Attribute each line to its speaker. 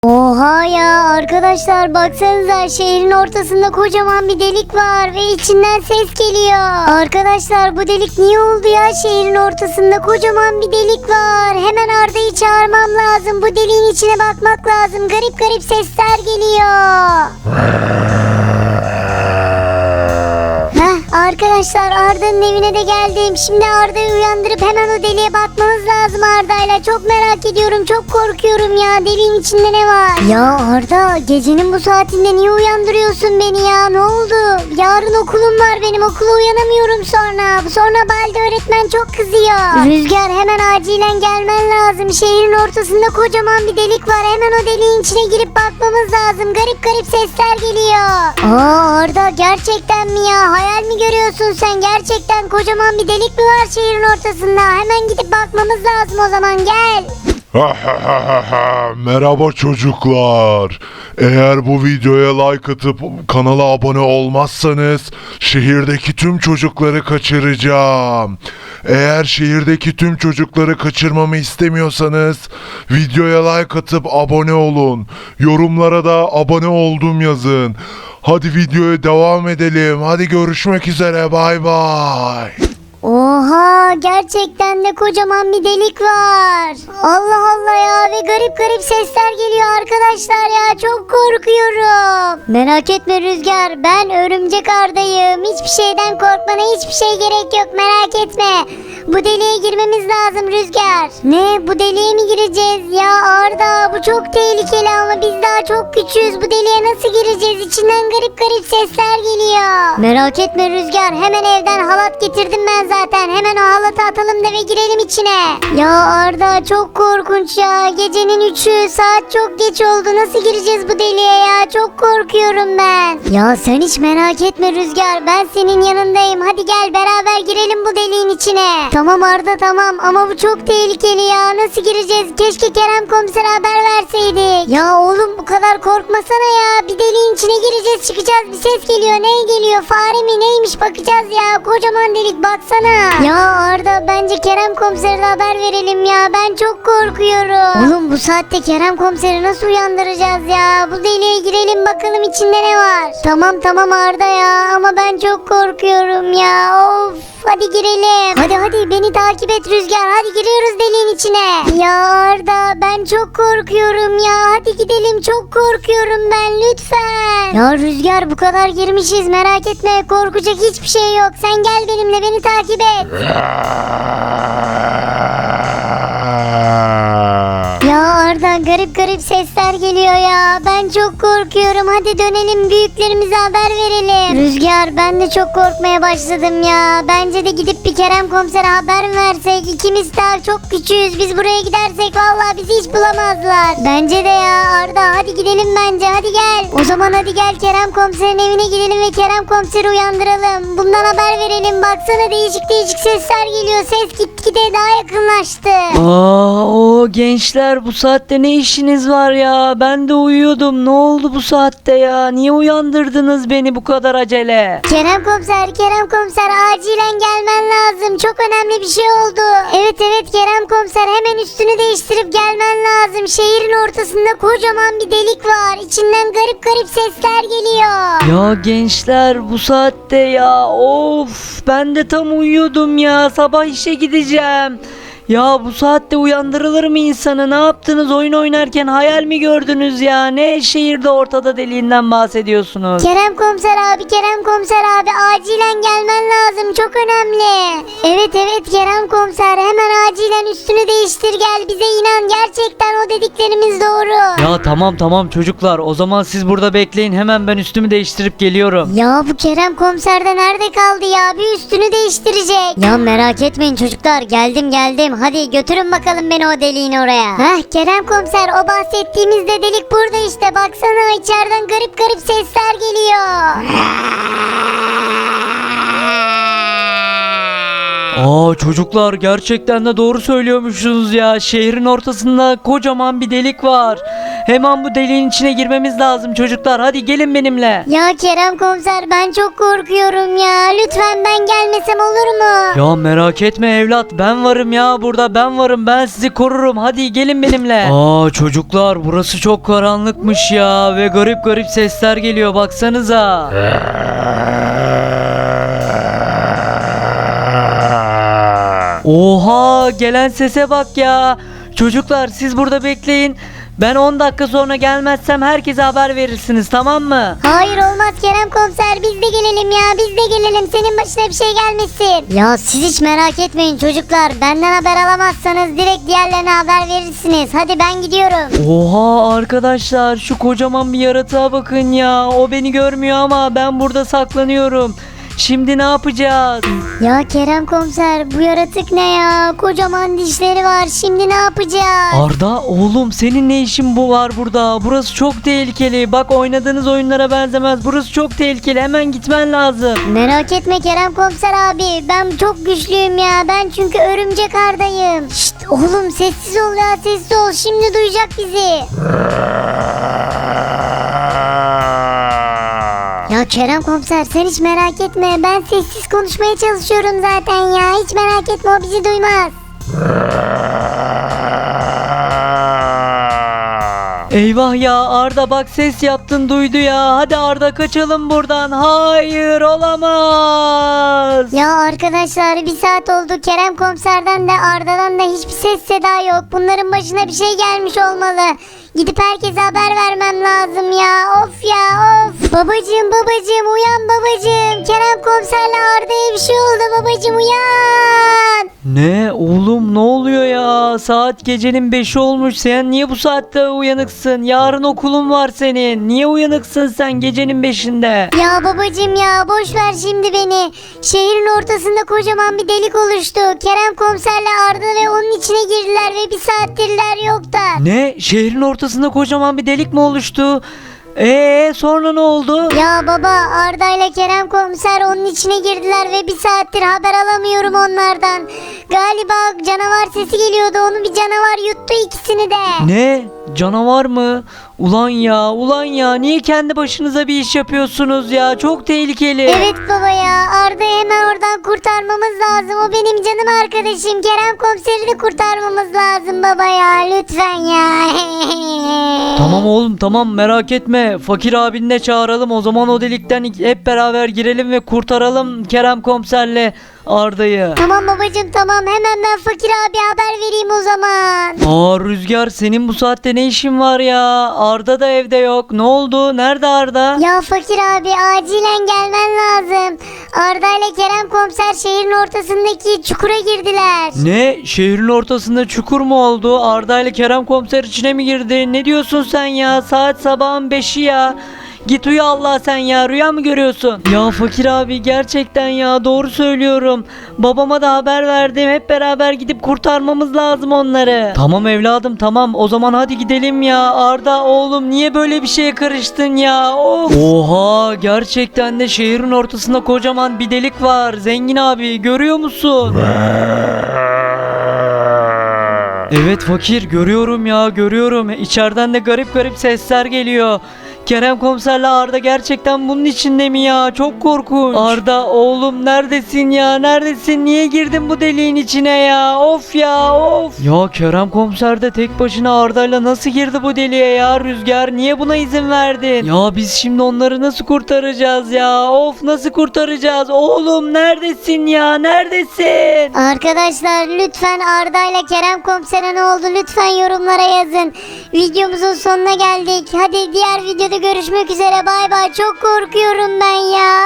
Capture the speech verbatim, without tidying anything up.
Speaker 1: Oha ya arkadaşlar, baksanıza şehrin ortasında kocaman bir delik var ve içinden ses geliyor. Arkadaşlar bu delik niye oldu ya, şehrin ortasında kocaman bir delik var. Hemen Arda'yı çağırmam lazım, bu deliğin içine bakmak lazım, garip garip sesler geliyor. Heh, arkadaşlar Arda'nın evine de geldim. Şimdi Arda'yı uyandırıp hemen o deliğe bakmamız lazım Arda'yla. Çok merak ediyorum, çok korkuyorum ya. Deliğin içinde ne var? Ya Arda, gecenin bu saatinde niye uyandırıyorsun beni ya? Ne oldu? Yarın okulum var benim, okula uyanamıyorum sonra. Sonra Balde öğretmen çok kızıyor. Rüzgar, hemen acilen gelmen lazım. Şehrin ortasında kocaman bir delik var. Hemen o deliğin içine girip bakmamız lazım. Garip garip sesler geliyor. Aa Arda, gerçekten mi ya? Hayal mi görüyorsun sen? Gerçekten kocaman bir delik mi var şehrin ortasında? Hemen gidip bakmamız lazım o zaman, gel.
Speaker 2: Merhaba çocuklar. Eğer bu videoya like atıp kanala abone olmazsanız şehirdeki tüm çocukları kaçıracağım. Eğer şehirdeki tüm çocukları kaçırmamı istemiyorsanız videoya like atıp abone olun. Yorumlara da abone oldum yazın. Hadi videoya devam edelim. Hadi görüşmek üzere. Bay bay.
Speaker 1: Oha, gerçekten de kocaman bir delik var. Allah Allah ya, ve garip garip sesler geliyor arkadaşlar ya, çok korkuyorum. Merak etme Rüzgar, ben örümcek Arda'yım. Hiçbir şeyden korkmana hiçbir şey gerek yok, merak etme. Bu deliğe girmemiz lazım Rüzgar. Ne, bu deliğe mi gireceğiz ya Arda? Bu çok tehlikeli ama biz daha çok küçüğüz. Bu deliğe nasıl gireceğiz? İçinden garip garip sesler geliyor. Merak etme Rüzgar, hemen evden halat getirdim ben zaten. Hemen o halatı atalım da ve girelim içine. Ya Arda, çok korkunç ya. Gecenin üçü, saat çok geç oldu. Nasıl gireceğiz bu deliğe ya? Çok korkuyorum ben. Ya sen hiç merak etme Rüzgar, ben senin yanındayım. Hadi gel beraber girelim bu deliğin içine. Tamam Arda, tamam, ama bu çok tehlikeli ya. Nasıl gireceğiz? Keşke Kerem komisere haber verseydik. Ya oğlum, bu kadar korkmasana ya. Bir deliğin içine gireceğiz, çıkacağız, bir ses geliyor. Ne geliyor? Fare mi neymiş, bakacağız ya. Kocaman delik, baksana. Ya Arda, bence Kerem komisere de haber verelim ya. Ben çok korkuyorum. Oğlum, bu saatte Kerem komiseri nasıl uyandıracağız ya? Bu deliğe girelim bakalım içinde ne var. Tamam tamam Arda ya, ama ben çok korkuyorum ya. Of. Hadi girelim. Hadi hadi, beni takip et Rüzgar. Hadi giriyoruz deliğin içine. Ya Arda, ben çok korkuyorum ya. Hadi gidelim, çok korkuyorum ben, lütfen. Ya Rüzgar, bu kadar girmişiz, merak etme. Korkacak hiçbir şey yok. Sen gel benimle, beni takip et. Ya Arda, garip garip sesler geliyor ya. Ben çok korkuyorum. Hadi dönelim, büyüklerimize haber verelim. Rüzgar, ben de çok korkmaya başladım ya. Bence de gidip bir Kerem komisere haber mi versek? İkimiz daha çok küçüğüz. Biz buraya gidersek vallahi bizi hiç bulamazlar. Bence de ya Arda, hadi gidelim bence. Hadi gel. O zaman hadi gel, Kerem komiserin evine gidelim ve Kerem komiseri uyandıralım. Bundan haber verelim. Baksana, değişik değişik sesler geliyor. Ses gitgide daha yakınlaştı.
Speaker 3: Aa, o gençler, bu saatte ne işiniz var ya? Ben de uyuyordum. Ne oldu bu saatte ya? Niye uyandırdınız beni bu kadar acele?
Speaker 1: Kerem komiser, Kerem komiser, acilen gelmen lazım. Çok önemli bir şey oldu. Evet evet Kerem komiser, hemen üstünü değiştirip gelmen lazım. Şehrin ortasında kocaman bir delik var. İçinden garip garip sesler geliyor.
Speaker 3: Ya gençler, bu saatte ya, of, ben de tam uyuyordum ya. Sabah işe gideceğim. Ya bu saatte uyandırılır mı insanı? Ne yaptınız? Oyun oynarken hayal mi gördünüz ya? Ne şehirde ortada deliğinden bahsediyorsunuz?
Speaker 1: Kerem komiser abi, Kerem komiser abi, acilen gelmen lazım. Çok önemli. Evet evet Kerem komiser, hemen acilen üstünü değiştir gel. Bize inan, gerçekten o dediklerimiz doğru.
Speaker 3: Ya tamam tamam çocuklar, o zaman siz burada bekleyin, hemen ben üstümü değiştirip geliyorum.
Speaker 1: Ya bu Kerem komiser de nerede kaldı ya? Bir üstünü değiştirecek. Ya merak etmeyin çocuklar, geldim geldim. Hadi götürün bakalım beni o deliğin oraya. Heh Kerem komiser, o bahsettiğimiz de delik burada işte. Baksana, içeriden garip garip sesler geliyor.
Speaker 3: Aa çocuklar, gerçekten de doğru söylüyormuşsunuz ya. Şehrin ortasında kocaman bir delik var. Hemen bu deliğin içine girmemiz lazım çocuklar. Hadi gelin benimle.
Speaker 1: Ya Kerem komiser ben çok korkuyorum ya. Lütfen ben gelmesem olur mu?
Speaker 3: Ya merak etme evlat, ben varım ya, burada ben varım, ben sizi korurum. Hadi gelin benimle. Aa çocuklar, burası çok karanlıkmış ya ve garip garip sesler geliyor, baksanıza. Oha, gelen sese bak ya. Çocuklar siz burada bekleyin. Ben on dakika sonra gelmezsem herkese haber verirsiniz, tamam mı?
Speaker 1: Hayır olmaz Kerem komiser, biz de gelelim ya, biz de gelelim, senin başına bir şey gelmesin. Ya siz hiç merak etmeyin çocuklar, benden haber alamazsanız direkt diğerlerine haber verirsiniz. Hadi ben gidiyorum.
Speaker 3: Oha arkadaşlar, şu kocaman bir yaratığa bakın ya. O beni görmüyor ama ben burada saklanıyorum. Şimdi ne yapacağız?
Speaker 1: Ya Kerem komiser, bu yaratık ne ya? Kocaman dişleri var, şimdi ne yapacağız?
Speaker 3: Arda oğlum, senin ne işin bu var burada? Burası çok tehlikeli. Bak, oynadığınız oyunlara benzemez. Burası çok tehlikeli. Hemen gitmen lazım.
Speaker 1: Merak etme Kerem komiser abi, ben çok güçlüyüm ya, ben çünkü örümcek Arda'yım. Şşt oğlum, sessiz ol ya, sessiz ol, şimdi duyacak bizi. Ya Kerem komiser sen hiç merak etme, ben sessiz konuşmaya çalışıyorum zaten ya, hiç merak etme, o bizi duymaz.
Speaker 3: Eyvah ya, Arda bak, ses yaptın, duydu ya. Hadi Arda, kaçalım buradan. Hayır, olamaz.
Speaker 1: Ya arkadaşlar, bir saat oldu, Kerem komiserden de Arda'dan da hiçbir ses seda yok. Bunların başına bir şey gelmiş olmalı. Gidip herkese haber vermem lazım ya. Of ya of. Babacığım babacığım uyan babacığım. Kerem komiserle Arda'ya bir şey oldu babacığım, uyan.
Speaker 3: Ne oğlum, ne oluyor ya? Saat gecenin beşi olmuş. Sen niye bu saatte uyanıksın? Yarın okulun var senin. Niye uyanıksın sen gecenin beşinde?
Speaker 1: Ya babacığım ya, boş ver şimdi beni. Şehrin ortasında kocaman bir delik oluştu. Kerem komiserle Arda ve onun içine girdiler ve bir saattirler yoklar.
Speaker 3: Ne? Şehrin ortasında kocaman bir delik mi oluştu? Eee sonra ne oldu?
Speaker 1: Ya baba, Arda ile Kerem komiser onun içine girdiler ve bir saattir haber alamıyorum onlardan. Galiba canavar sesi geliyordu, onu bir canavar yuttu ikisini de.
Speaker 3: Ne? Canavar mı? Ulan ya, ulan ya, niye kendi başınıza bir iş yapıyorsunuz ya? Çok tehlikeli.
Speaker 1: Evet baba ya, Arda'yı hemen oradan kurtarmamız lazım. O benim canım arkadaşım. Kerem komiseri de kurtarmamız lazım baba ya, lütfen ya.
Speaker 3: Tamam oğlum, tamam, merak etme. Fakir abini de çağıralım, o zaman o delikten hep beraber girelim ve kurtaralım Kerem komiserle Arda'yı.
Speaker 1: Tamam babacığım tamam, hemen ben Fakir abi haber vereyim o zaman.
Speaker 3: Aa Rüzgar, senin bu saatte ne işin var ya? Arda da evde yok. Ne oldu? Nerede Arda?
Speaker 1: Ya Fakir abi, acilen gelmen lazım. Arda ile Kerem komiser şehrin ortasındaki çukura girdiler.
Speaker 3: Ne? Şehrin ortasında çukur mu oldu? Arda ile Kerem komiser içine mi girdi? Ne diyorsun sen ya? Saat sabahın beşi ya. Git uyu Allah sen ya, rüya mı görüyorsun? Ya Fakir abi, gerçekten ya, doğru söylüyorum. Babama da haber verdim, hep beraber gidip kurtarmamız lazım onları. Tamam evladım, tamam, o zaman hadi gidelim ya. Arda oğlum, niye böyle bir şeye karıştın ya? Of. Oha, gerçekten de şehrin ortasında kocaman bir delik var. Zengin abi, görüyor musun? Evet Fakir, görüyorum ya, görüyorum. İçeriden de garip garip sesler geliyor. Kerem komiserle Arda gerçekten bunun içinde mi ya? Çok korkunç. Arda oğlum, neredesin ya? Neredesin? Niye girdin bu deliğin içine ya? Of ya of. Ya Kerem komiser de tek başına Arda'yla nasıl girdi bu deliğe ya? Rüzgar, niye buna izin verdin? Ya biz şimdi onları nasıl kurtaracağız ya? Of, nasıl kurtaracağız? Oğlum neredesin ya? Neredesin?
Speaker 1: Arkadaşlar lütfen Arda ile Kerem komisere ne oldu lütfen yorumlara yazın. Videomuzun sonuna geldik. Hadi diğer videoda görüşmek üzere, bay bay. Çok korkuyorum ben ya.